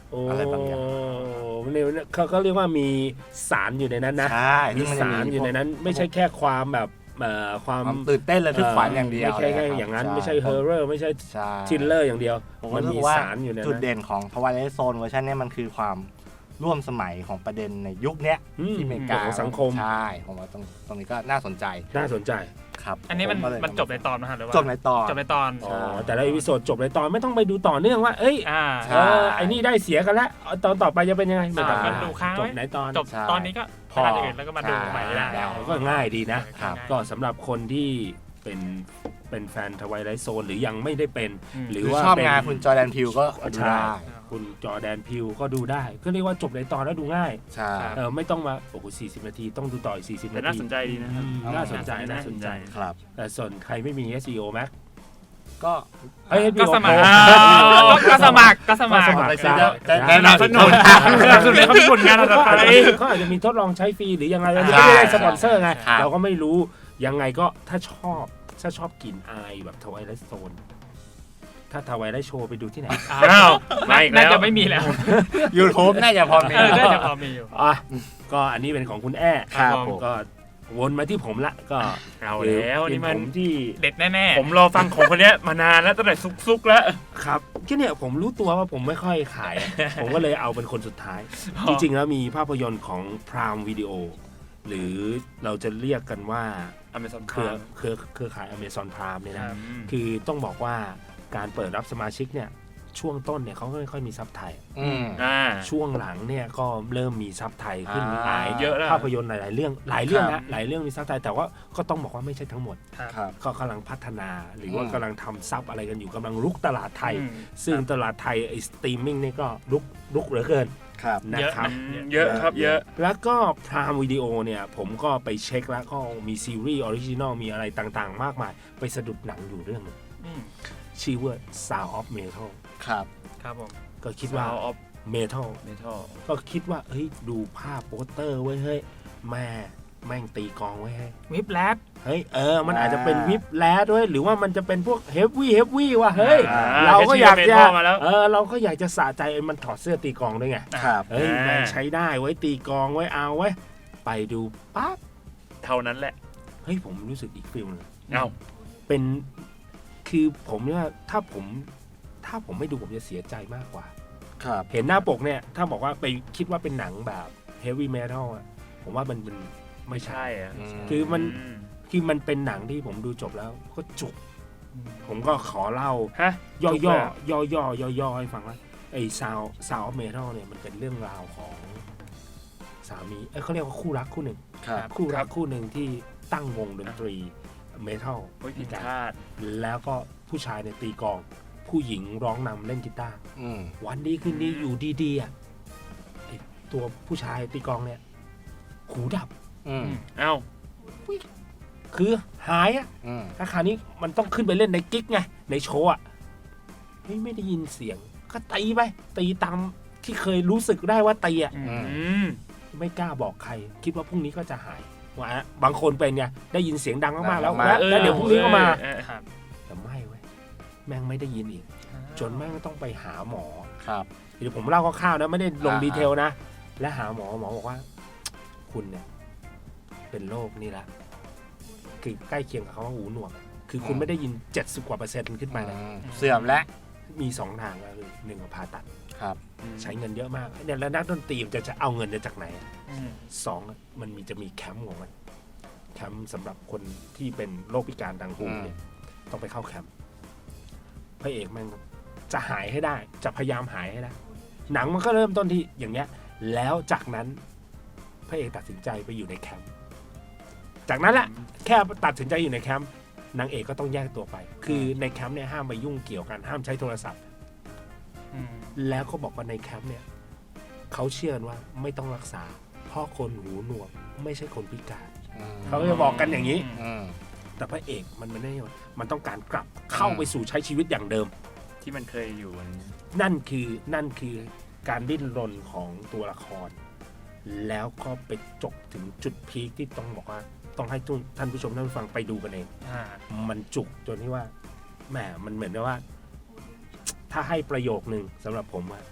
Speaker 3: อะไรบางอย่าง
Speaker 1: เนี่ยเขาก็เรียกว่ามีสารอยู่ในนั้นนะ
Speaker 3: ใช่
Speaker 1: มี
Speaker 3: ซึ่งมันจะ
Speaker 1: สารอยู่ในนั้น ไม่ใช่แค่ความแบบเอ่อความ
Speaker 3: ความตื่นเต้นระทึกขวัญอย่างเดียว
Speaker 1: ไม่ใช่แค่
Speaker 3: เลยครับ
Speaker 1: อย่างนั้น
Speaker 3: ใช่
Speaker 1: ไม่ใช่เฮอร์เรอร์ไม่ใช่
Speaker 3: ใช่
Speaker 1: ทิลเลอร์อย่างเดียว
Speaker 3: ผม
Speaker 1: มัน
Speaker 3: รู้
Speaker 1: มี
Speaker 3: สึกว่า
Speaker 1: สารอยู่ใน
Speaker 3: จุด
Speaker 1: นั้น
Speaker 3: เด่นของ Twilight Zone เวอร์ชันเนี้ยมันคือความร่วมสมัยของประเด็นในยุคเนี้ย
Speaker 1: อืม
Speaker 3: ที่อเมริกา
Speaker 1: ของสังคม
Speaker 3: ใช่ผมว่าตรงตรงนี้ก็น่าสนใจ
Speaker 1: น่าสนใจ
Speaker 3: ครับ
Speaker 4: อันนี้มัน
Speaker 3: ผก็เลย
Speaker 4: มันจบในตอนนะฮะหรือว่า
Speaker 3: จบในตอน
Speaker 4: จบในตอน
Speaker 1: อ๋อแต่ละอีพิโซดจบในตอนไม่ต้องไปดูต่อเนื่องว่า เอ้ย
Speaker 4: อ่า
Speaker 3: ใช่
Speaker 1: เออไอ้นี่ได้เสียกันแล้วเอาตอนต่อไปจะเป็นยังไงไม่ต้อง
Speaker 4: อ่าดูค้าง
Speaker 1: จ
Speaker 4: ไว้
Speaker 1: บไหนตอน
Speaker 4: จบ
Speaker 3: ใช่
Speaker 4: ตอนนี้ก็
Speaker 3: พอ
Speaker 4: ไปทางอื่นแล้วก็มาดูใหม่ได้
Speaker 3: ได้
Speaker 1: ก็ง่ายดีนะ
Speaker 3: ครับ
Speaker 1: ก็สำหรับคนที่เป็นเป็นแฟนทวายไลท์โซนหรือยังไม่ได้เป็น
Speaker 4: อืม
Speaker 1: ห
Speaker 3: ห
Speaker 1: รื
Speaker 3: รือ อ
Speaker 1: ว่า
Speaker 3: ชอบ
Speaker 1: เป็น
Speaker 3: งานคุณจอร์แดนพิวก็ดู
Speaker 1: ใช่
Speaker 3: ได้
Speaker 1: คุณจอร์แดนพิวก็ดูได้ ก็เรียกว่าจบในตอนแล้วดูง่าย
Speaker 3: ใช่
Speaker 1: เออไม่ต้องมาโอ้โหสี่สิบนาทีต้องดูต่ออีกสี่สิบ
Speaker 2: แต่
Speaker 1: นา
Speaker 2: น่า
Speaker 1: ที
Speaker 2: สนใจดีนะครับ
Speaker 1: อืมน่าสนใจน่าสนใจ
Speaker 3: ครับ
Speaker 1: แต่ส่วนใครไม่มี เอส อี โอ Max
Speaker 3: ก็
Speaker 1: เอ้ย
Speaker 4: ก็
Speaker 1: H B O
Speaker 4: สมัคร
Speaker 1: Pro
Speaker 4: ก็สมัครก็สมัคร
Speaker 1: ก็สมัคร
Speaker 3: ไป
Speaker 1: ซะ
Speaker 3: จะแนะนำ
Speaker 2: สนุกสนุกเลยเขามีผลงานอะไร
Speaker 1: เขา
Speaker 2: ไป
Speaker 1: อาจจะมีเขาอาจจะมีทดลองใช้ฟรีหรือยังไงเรา
Speaker 3: ใช่
Speaker 1: ไม่ได้สปอนเซอร์ไง
Speaker 3: ครับ
Speaker 1: เราก็ไม่รู้ยังไงก็ถ้าชอบถ้าชอบกลิ่นอายแบบทวายไลท์โซนถ้าทวายไลท์โชว์ไปดูที่ไหน
Speaker 2: อ้าวมาอีกแล้ว
Speaker 4: น่าจะไม่มีแล้ว
Speaker 3: YouTube น่าจะพอมี
Speaker 4: เออน่าจะพอมีอยู่
Speaker 1: อ่ะก็อันนี้เป็นของคุณแอ้
Speaker 3: ครับ
Speaker 1: ผมก็วนมาที่ผมละก็
Speaker 2: เอาแล้วนี่มัน
Speaker 1: ผมที่
Speaker 4: เด็ดแน่
Speaker 2: ผมรอฟังของคนเนี้ยมานานแล้วตั้งแต่ซุกๆแล้ว
Speaker 1: ครับก็เนี่ยผมรู้ตัวว่าผมไม่ค่อยขาย ผมก็เลยเอาเป็นคนสุดท้าย จริงๆแล้วมีภาพยนตร์ของ Prime Video หรือเราจะเรียกกันว่า
Speaker 2: Amazon
Speaker 1: เครือ
Speaker 2: Prime
Speaker 1: เครือเครือข่าย Amazon Prime เนี่ย
Speaker 4: ๆ
Speaker 1: นะ
Speaker 4: ครับ
Speaker 1: คือต้องบอกว่าการเปิดรับสมาชิกเนี่ยช่วงต้นเนี่ยเขาก็ไม่ค่อยมีซับไทย
Speaker 3: อืม
Speaker 2: อ่า
Speaker 1: ช่วงหลังเนี่ยก็เริ่มมีซับไทยขึ้น
Speaker 3: อ่า
Speaker 1: หลาย
Speaker 2: เยอะแล้ว
Speaker 1: ภาพยนตร์หลายๆเรื่องหลายเรื่อง
Speaker 3: ครั
Speaker 1: นะ
Speaker 3: บ
Speaker 1: หลายเรื่องมีซับไทยแต่ว่าก็ต้องบอกว่าไม่ใช่ทั้งหมด
Speaker 3: ครับ
Speaker 1: ก็กำลังพัฒนาหรือว่า
Speaker 3: อืม
Speaker 1: กำลังทำซับอะไรกันอยู่กำลังลุกตลาดไทย
Speaker 4: อืม
Speaker 1: ซึ่งตลาดไทยไอ้สตรีมมิ่งนี่ก็ลุกลุกเหลือเกิน
Speaker 3: ครับ
Speaker 1: นะครับ
Speaker 2: เยอะครับเยอะ
Speaker 1: แล้วก็พรามวิดีโอเนี่ยผมก็ไปเช็คแล้วก็มีซีรีส์ออริจินอลมีอะไรต่างๆ มากมาย ไปสะดุดหนังอยู่เรื่องหนึง
Speaker 4: อืม
Speaker 1: ชื่อว่า Sound of Metal
Speaker 3: ครับ
Speaker 4: ครับผม
Speaker 1: ก็คิดว่า
Speaker 2: Sound of
Speaker 1: Metal
Speaker 2: Metal
Speaker 1: ก็คิดว่าเฮ้ยดูภาพโปสเตอร์ไว้ยเฮ้ยแม่แม่งตีกลองไว้ยเฮ้ย
Speaker 4: วิบแลบ
Speaker 1: เฮ้ยเออมันอาจจะเป็น
Speaker 3: อ่า
Speaker 1: วิบแลดด้วยหรือว่ามันจะเป็นพวกเฮฟวี่เฮฟวี่ว่ะเฮ้ย
Speaker 2: อ่า
Speaker 1: เราก็อยาก
Speaker 2: แค่
Speaker 1: จะ
Speaker 2: ชื่อ Metal มาแล้ว
Speaker 1: เออเราก็อยากจะสะใจมันถอดเสื้อตีกลองด้วยไง
Speaker 3: ครับ
Speaker 1: เฮ้ย
Speaker 2: อ่า
Speaker 1: แม่งใช้ได้ไว้ตีกลองไว้เอาไว้ยไปดูปั๊บ
Speaker 2: เท่านั้นแหละ
Speaker 1: เฮ้ยผมรู้สึกอีกฟิลนึง
Speaker 2: เอ้า
Speaker 1: เป็นคือผมเนี่ยถ้าผมถ้าผมไม่ดูผมจะเสียใจมากกว่า
Speaker 3: ครับ
Speaker 1: เห็นหน้าปกเนี่ย ถ้าบอกว่าไปคิดว่าเป็นหนังแบบเฮฟวี่เมทัลอ่ะผมว่ามันมันไม่ใช่
Speaker 2: ใช่อ่ะ
Speaker 1: คือมัน
Speaker 2: อืม
Speaker 1: คือมันเป็นหนังที่ผมดูจบแล้วก็จุก ผมก็ขอเล่า
Speaker 2: ฮะ
Speaker 1: ย่อ
Speaker 2: จุก
Speaker 1: ย่
Speaker 2: เล
Speaker 1: อย
Speaker 2: เหรอ
Speaker 1: ย่อย่อย่อย่อให้ฟังว่าไอ้ซาวซาวเมทัลเนี่ยมันเป็นเรื่องราวของสามีเอ้ยเขาเรียกว่าคู่รักคู่หนึ่ง
Speaker 3: ครับ
Speaker 1: คู่รักคู่หนึ่งที่ตั้งวงดนตรีเมทัล
Speaker 2: โอ้ยผิดคาด
Speaker 1: แล้วก็ผู้ชายเนี่ยตีกลอง ผู้หญิงร้องนำเล่นกีตาร์
Speaker 3: อืม
Speaker 1: วันดีคืนดีอยู่ดีๆอ่ะไอ้ตัวผู้ชายตีกลองเนี่ยหูดับ
Speaker 3: อืม
Speaker 2: เอ้า
Speaker 1: คือหายอ่ะ
Speaker 3: อืม
Speaker 1: ถ้าคราวนี้มันต้องขึ้นไปเล่นในกิ๊กไงในโชว์อ่ะเฮ้ยไม่ได้ยินเสียง ก็ตีไปตีตามที่เคยรู้สึกได้ว่าตีอ่ะ
Speaker 4: อืม
Speaker 2: อืม
Speaker 1: ไม่กล้าบอกใคร คิดว่าพรุ่งนี้ก็จะหายว่าบางคนเป็นไงได้ยินเสียงดังมากๆแล้ว
Speaker 3: ดังมาก
Speaker 1: แล้วแล้วเดี๋ยวพรุ่งนี้ก็มา
Speaker 2: เออ
Speaker 4: ครับ
Speaker 1: แต่ไม่เว้ยแม่งไม่ได้ยินอีก จนแม่งต้องไปหาหมอ
Speaker 3: ครับ
Speaker 1: เดี๋ยวผมเล่าคร่าวๆนะไม่ได้ลง
Speaker 3: อ่า
Speaker 1: ดีเทลนะ และหาหมอหมอบอกว่า คุณเนี่ย เป็นโรคนี่ละคือใกล้เคียงกับคำว่าหูหนวกอะคือคุณไม่ได้ยินเจ็ดสิบกว่าเปอร์เซ็นต์ขึ้นมาเลย
Speaker 3: อืมเสื่อมแล้ว
Speaker 1: มีสองทางก็คือหนึ่งก็ผ่าตัด
Speaker 3: ครับ
Speaker 1: ใช้เงินเยอะมากเนี่ยแล้วนักดนตรีมันจะจะเอาเงินจากไหนอะ
Speaker 4: อืม
Speaker 1: สองอะมันมีจะมีแคมป์ของมันแคมป์สำหรับคนที่เป็นโรคพิการทางหูเนี่ยต้องไปเข้าแคมป์พระเอกแม่งจะหายให้ได้ จะพยายามหายให้ได้ หนังมันก็เริ่มต้นที่อย่างเงี้ย แล้วจากนั้นพระเอกตัดสินใจไปอยู่ในแคมป์จากนั้นแหละแค่ตัดสินใจอยู่ในแคมป์นางเอกก็ต้องแยกตัวไป คือในแคมป์เนี่ยห้ามไปยุ่งเกี่ยวกันห้ามใช้โทรศัพท์
Speaker 4: อืม
Speaker 1: แล้วก็บอกว่าในแคมป์เนี่ยเขาเชื่อว่าไม่ต้องรักษา เพราะคนหูหนวกไม่ใช่คนพิการ
Speaker 3: อืม
Speaker 1: เขาก็จะบอกกันอย่างนี้
Speaker 3: อืม
Speaker 1: แต่พระเอกมันไม่ได้มันต้องการกลับเข้าไปสู่ใช้ชีวิตอย่างเดิม
Speaker 2: ที่มันเคยอยู่อันนี้
Speaker 1: นั่นคือนั่นคือการดิ้นรนของตัวละคร แล้วก็ไปจบถึงจุดพีคที่ต้องบอกว่า ต้องให้ท่านผู้ชมท่านผู้ฟังไปดูกันเอง
Speaker 4: อ่า
Speaker 1: มันจุกจนที่ว่าแหมมันเหมือนกับว่า ถ้าให้ประโยคนึงสำหรับผมอะ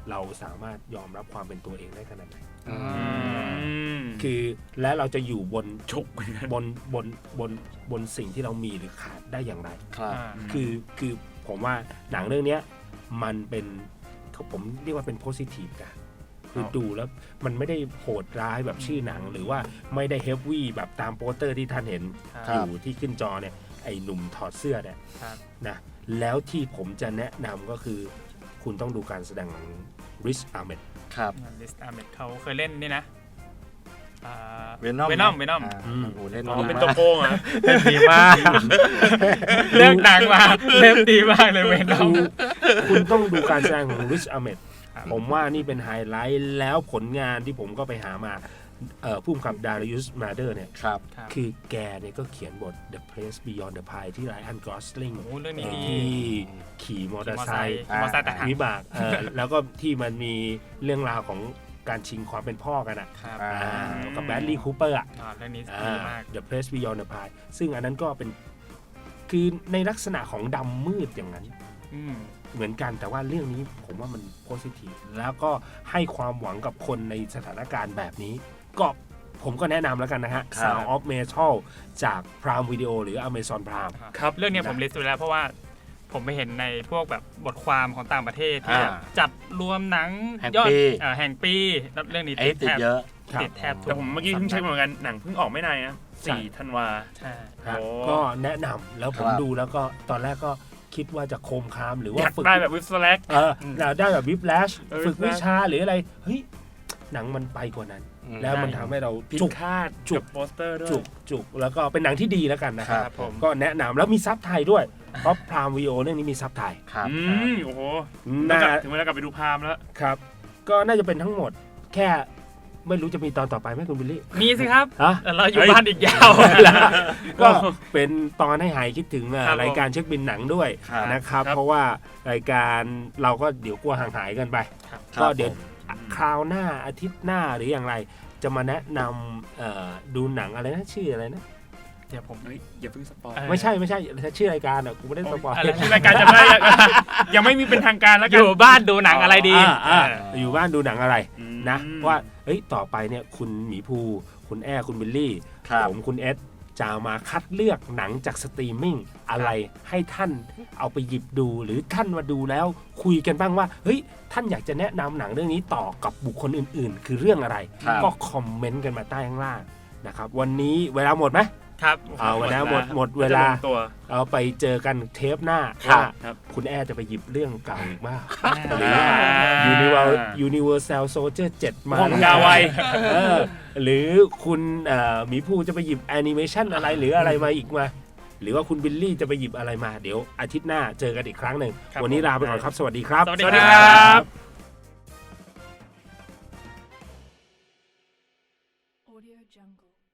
Speaker 1: เราสามารถยอมรับความเป็นตัวเองได้ขนาดไหน
Speaker 3: อืม
Speaker 2: อืม
Speaker 1: คือและเราจะอยู่บน
Speaker 2: ฉุกเหมือนกัน
Speaker 1: บนบนบนบนสิ่งที่เรามีหรือขาดได้อย่างไร
Speaker 3: ครับ
Speaker 4: อ่า
Speaker 1: คือคือผมว่าหนังเรื่องเนี้ยมันเป็นผมเรียกว่าเป็นโพสิทีฟกันคือดูแล้วมันไม่ได้โหดร้ายแบบชื่อหนัง หรือว่าไม่ได้เฮฟวี่แบบตามโปสเตอร์ที่ท่านเห็น
Speaker 4: ครั
Speaker 1: อบ ยู่ที่ขึ้นจอเนี่ยไอ้หนุ่มถอดเสื้อเนี่ย
Speaker 4: ครับ
Speaker 1: นะแล้วที่ผมจะแนะนำก็คือคุณต้องดูการแสดงของริชอาร์เมด
Speaker 3: ครับ
Speaker 4: ลิสต์อาร์เมดเขาเคยเล่นนี่นะ
Speaker 3: เวนอม
Speaker 4: เวนอมเวนอม
Speaker 1: อืม
Speaker 3: โอ้เล่น
Speaker 2: อ๋อ
Speaker 3: ดี
Speaker 2: เป็น
Speaker 3: มา
Speaker 2: ตัว
Speaker 3: ก
Speaker 2: โกงเหรอ่ะ
Speaker 3: เล่นดีมาก
Speaker 4: เลือกหนังมาเล่นดีมากเลยเวนอม
Speaker 1: คุณต้องดูการแสดงของริชอาร์เมด
Speaker 4: ครับ
Speaker 1: ผมว่านี่เป็นไฮไลท์แล้วผลงานที่ผมก็ไปหามาเอ่อผู้กำกับดาริอุสมาเดอร์เนี่ย
Speaker 3: ครับ
Speaker 4: ครับ
Speaker 1: คือแกเนี่ยก็เขียนบท The Place Beyond the Pine ที่ไรอันกรอสลิง
Speaker 4: โอ้โหเรื่องนี้ดี
Speaker 1: ที่ขี่มอเตอร์ไซค์
Speaker 4: ขี่มอเตอร์ไซค์ทหาร
Speaker 1: วิบากเอ่อแล้วก็ที่มันมีเรื่องราวของการชิงความเป็นพ่อกันอ่ะ
Speaker 4: ครับ
Speaker 3: อ่า
Speaker 1: อ่ากับแบดลีย์คูเปอร์อ่ะ
Speaker 4: อ่าเรื่องนี้
Speaker 1: อ่า
Speaker 4: ดีมาก
Speaker 1: The Place Beyond the Pine ซึ่งอันนั้นก็เป็นคือในลักษณะของดำมืดอย่างนั้น
Speaker 4: อืม
Speaker 1: เหมือนกันแต่ว่าเรื่องนี้ผมว่ามันโพสิทีฟแล้วก็ให้ความหวังกับคนในสถานการณ์แบบนี้ ก็ผมก็แนะนำแล้วกันนะฮะ
Speaker 3: ครับ
Speaker 1: Sound of Metal จาก Prime Video หรือ Amazon Prime
Speaker 2: ครับ
Speaker 4: เรื่องเนี้ยผมลิสต์ไว้แล้วเพราะว่าผมไปเห็นในพวกแบบบทความของต่างประเทศที่แบบ
Speaker 3: อ่า
Speaker 4: จัดรวมหนัง
Speaker 3: แห่ง
Speaker 4: ยอด
Speaker 3: ปี
Speaker 4: เอ่อแห่งปีแล้วเรื่องนี้
Speaker 3: ไอ้ติด
Speaker 4: แทบ
Speaker 3: เยอะ
Speaker 1: ครับ
Speaker 4: ติดแทบทุ
Speaker 2: แต่ผมเมื่อกี้เพิ่งเช็คมาเหมือนกันหนังเพิ่งออกไม่นานนะ
Speaker 1: ใช่
Speaker 2: สี่ธันวา
Speaker 4: ใช่
Speaker 1: ครับ
Speaker 2: โอ้
Speaker 1: ก็แนะนำแล้วผม
Speaker 3: ครับ
Speaker 1: ดูแล้วก็ตอนแรกก็คิดว่าจะโคมคามหรือว่า
Speaker 2: อยาก
Speaker 1: ฝึก
Speaker 2: ได้แบบวิสแลก
Speaker 1: เออเราได้แบบวิบแลช
Speaker 2: เออ
Speaker 1: ฝึก
Speaker 2: Whiplash
Speaker 1: วิชาหรืออะไร เฮ้ย หนังมันไปกว่านั้น
Speaker 3: อืม
Speaker 1: แล้วมันทำให้เรา
Speaker 2: ผิด
Speaker 1: จุก
Speaker 2: คาด
Speaker 1: จุก
Speaker 2: กับโปสเตอร์ด้วย
Speaker 1: จุกจุกแล้วก็เป็นหนังที่ดีแล้วกันนะค
Speaker 3: ครั
Speaker 1: รับ
Speaker 3: บผม
Speaker 1: ก็แนะนำแล้วมีซับไทยด้วย เพราะพรามวีโอเรื่องนี้มีซับไทย
Speaker 3: ครับ
Speaker 2: อืมโอ้โห
Speaker 1: น่า
Speaker 2: ถึงเวลากลับไปดูพามแล้ว
Speaker 1: ครับ ก็น่าจะเป็นทั้งหมด แค่ไม่รู้จะมีตอนต่อไปไหมคุณบิลลี่
Speaker 4: มีสิครับ
Speaker 1: ฮะ
Speaker 4: แต่เราอยู่
Speaker 2: เฮ้ย
Speaker 4: บ้านอีกยาว
Speaker 1: ก็เป็นตอนให้หายคิดถึงอ่ะ
Speaker 4: ครับผม
Speaker 1: รายการเช็คบินหนังด้วย
Speaker 3: ครับ
Speaker 1: นะครับ
Speaker 2: ครับ
Speaker 1: เพราะว่ารายการเราก็เดี๋ยวกลัวห่างหายกันไป
Speaker 3: ครับ
Speaker 1: ก็เดี๋ยว
Speaker 3: ผม
Speaker 1: คราวหน้าอาทิตย์หน้าหรืออย่างไร จะมาแนะนำเอ่อดูหนังอะไรนะชื่ออะไรนะ
Speaker 4: เดี๋ยวผม
Speaker 2: เฮ้ยอย่าเพิ่งสปอย
Speaker 4: เออ
Speaker 1: ไม่ใช่ไม่ใช่ชื่อรายการอ่ะกูไม่ได้สปอย
Speaker 4: อะไร
Speaker 2: ชื่อรายการจะไม่ได้ยังไม่มีเป็นทางการแล้ว
Speaker 4: อ
Speaker 2: กัน
Speaker 4: ยู่บ้านดูหนังอะไรดี
Speaker 1: อ่าอ่า
Speaker 4: เออ
Speaker 1: อยู่บ้านดูหนังอะไร
Speaker 2: อืม
Speaker 1: นะว่าเฮ้ยต่อไปเนี่ยคุณหมีภู คุณแอร์คุณบิลลี่
Speaker 3: ครับ
Speaker 1: ผมคุณเอสจะมาคัดเลือกหนังจากสตรีมมิ่งอะไรให้ท่านเอาไปหยิบดูหรือท่านมาดูแล้วคุยกันบ้างว่าเฮ้ยท่านอยากจะแนะนำหนังเรื่องนี้ต่อกับบุคคลอื่นๆ คือเรื่องอะไร
Speaker 3: ครับ
Speaker 1: ก็คอมเมนต์กันมาใต้ข้างล่างนะครับวันนี้เวลาหมดไหม
Speaker 4: ครับ
Speaker 1: เอาเวลาหมดหมดเวลา
Speaker 2: จะงตัว
Speaker 1: เอาไปเจอกันเทปหน้า
Speaker 3: ครับ
Speaker 1: ว่า
Speaker 2: ครับ
Speaker 1: คุณแอร์จะไปหยิบเรื่องเก่าอีกมาก ห
Speaker 4: ห
Speaker 1: รื
Speaker 4: รือ อ
Speaker 1: Universal Universal Soldier เจ็ดมา
Speaker 2: ของยาไว
Speaker 1: เออหรือคุณเอ่อหมีภูจะไปหยิบแอนิเมชันอะไรหรืออะไรมาอีกมา หรือว่าคุณบิลลี่จะไปหยิบอะไรมาเดี๋ยวอาทิตย์หน้าเจอกันอีกครั้งหนึ่ง
Speaker 4: ครับ
Speaker 1: วันนี้ลาไปก่อนครับ สวัสดีครับ
Speaker 4: สวัสดี
Speaker 2: สวัสดี
Speaker 4: ค
Speaker 2: ค
Speaker 4: รั
Speaker 2: รับ บ
Speaker 5: Audio Jungle.